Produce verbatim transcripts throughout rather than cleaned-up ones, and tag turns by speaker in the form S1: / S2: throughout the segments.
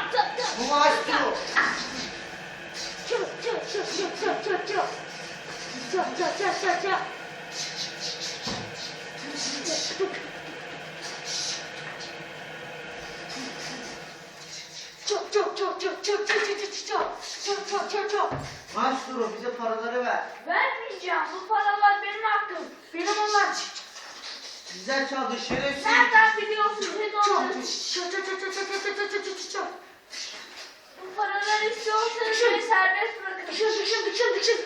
S1: Bu maestro.
S2: Çık çık çık çık çık çık çık. Çık çık çık çık çık. Çok çok çok çok çok çok çok çok çok çok çok çok.
S1: Maestro bize paraları ver.
S2: Vermeyeceğim. Bu paralar benim hakkım. Benim onlar.
S1: Bizden çaldı şerefsiz.
S2: Nereden biliyorsun? Siz onları. Çok çok çok çok çok çok çok çok çok. Bu paraları istiyorsanız beni serbest bırakın. Dıkşın dıkşın dıkşın dıkşın.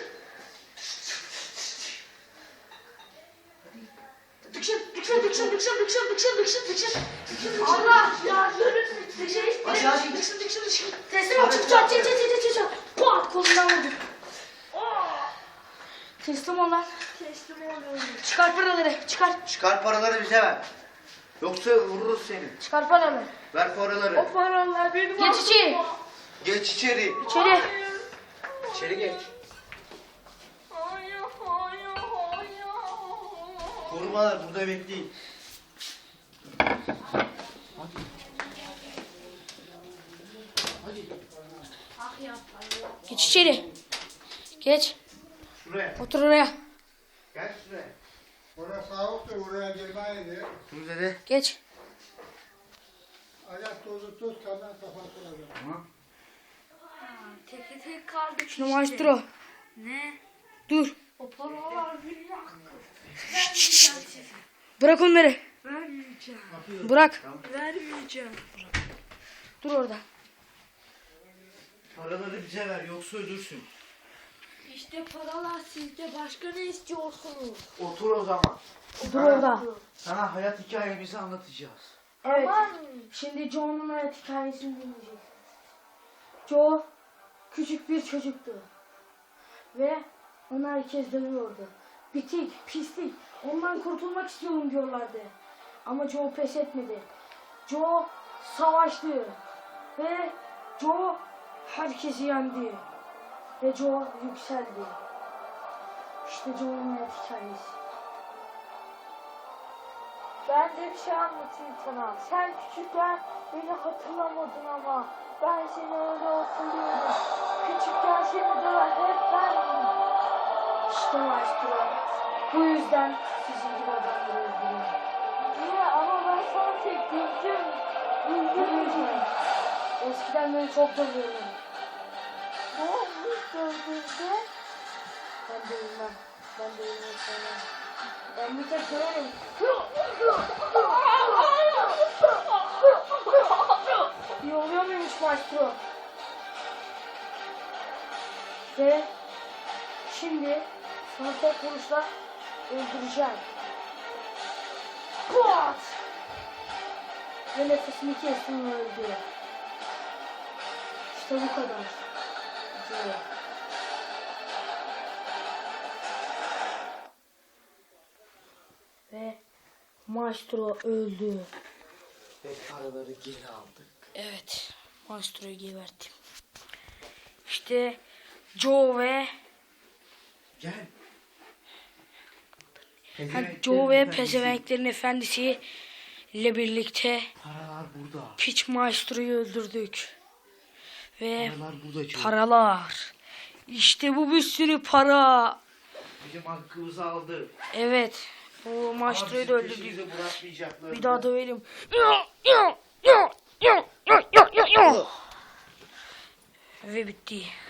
S2: Dıkşın dıkşın dıkşın dıkşın dıkşın dıkşın dıkşın dıkşın. Allah ya görün. Dıkşın
S1: Hadi hadi.
S2: dıkşın dıkşın dıkşın. Teslim ol. Çık çık çık çık çık çık. Pat kolundan vurdum. Teslim ol lan. Teslim oluyorum. Çıkar paraları. Çıkar.
S1: Çıkar paraları bize ver. Yoksa vururuz seni.
S2: Çıkar paraları.
S1: Ver paraları.
S2: O paralar benim. Geç içeri.
S1: Geç içeri.
S2: İçeri.
S1: İçeri geç.
S2: Hayır hayır hayır.
S1: Korumalar burada bekleyin. Hadi. Hadi.
S2: Geç içeri. Geç.
S1: Şuraya.
S2: Otur oraya.
S1: Gel şuraya.
S3: Orası soğuktu, oraya girmeydi.
S1: Dur dede.
S2: Geç.
S3: Ayak tozu tuz, kandan kafasına dön.
S1: Tamam.
S4: Teke tek kaldık
S2: Şunu
S4: işte.
S2: maestro.
S4: Ne?
S2: Dur.
S4: O paralar benim hakkım.
S2: Bırak onları.
S4: Vermeyeceğim.
S2: Bırak.
S4: Vermeyeceğim.
S2: Dur orada.
S1: Paraları bize ver yoksa ölürsün.
S4: İşte paralar sizde. Başka ne istiyorsunuz?
S1: Otur o zaman.
S2: Dur orada.
S1: Sana hayat hikayemizi anlatacağız.
S2: Evet.
S4: Aman.
S2: Şimdi Joe'nun hayat hikayesini dinleyeceğiz. Joe küçük bir çocuktu. Ve onu herkes dövüyordu. Bitik, pislik. Ondan kurtulmak istiyorum diyorlardı. Ama Joe pes etmedi. Joe savaştı. Ve Joe herkesi yendi. Ve Joe yükseldi. İşte Joe'nun hayat hikayesi.
S4: Ben de bir şey anlatayım sana. Sen küçükken beni hatırlamadın ama ben seni öyle hatırlıyorum. Küçükken seni döven hep bendim.
S2: İşte maestro. Bu yüzden sizin gibi adamları öldürüyorum.
S4: Niye? Ama ben sana tek güldüm. Güldüm.
S2: Eskiden beni çok dövüyordum.
S4: Ne olmuş gördüğünde?
S2: Ben de bilmem. Ben de bilmem sana. Ben bir tek döverim. İyi oluyor muymuş maestro? Ve şimdi sana tek vuruşla öldüreceğim. Pat! Ve nefesini kestim ve öldü. İşte bu kadar. Diyor. Ve maestro öldü.
S1: Ve paraları geri aldık.
S2: Evet, maestroyu geberttim. İşte Joe ve
S1: Gel.
S2: ha, Joe ve Pezevenklerin Efendisi ile birlikte
S1: Paralar burada.
S2: piç maestroyu öldürdük. Ve
S1: Paralar burada çok.
S2: paralar. İşte bu bir sürü para.
S1: Bizim hakkımızı aldı.
S2: Evet, bu maestroyu da
S1: Ama
S2: öldürdük.
S1: bizim peşimizi bırakmayacaklar.
S2: Bir daha dövelim. Ve bitti.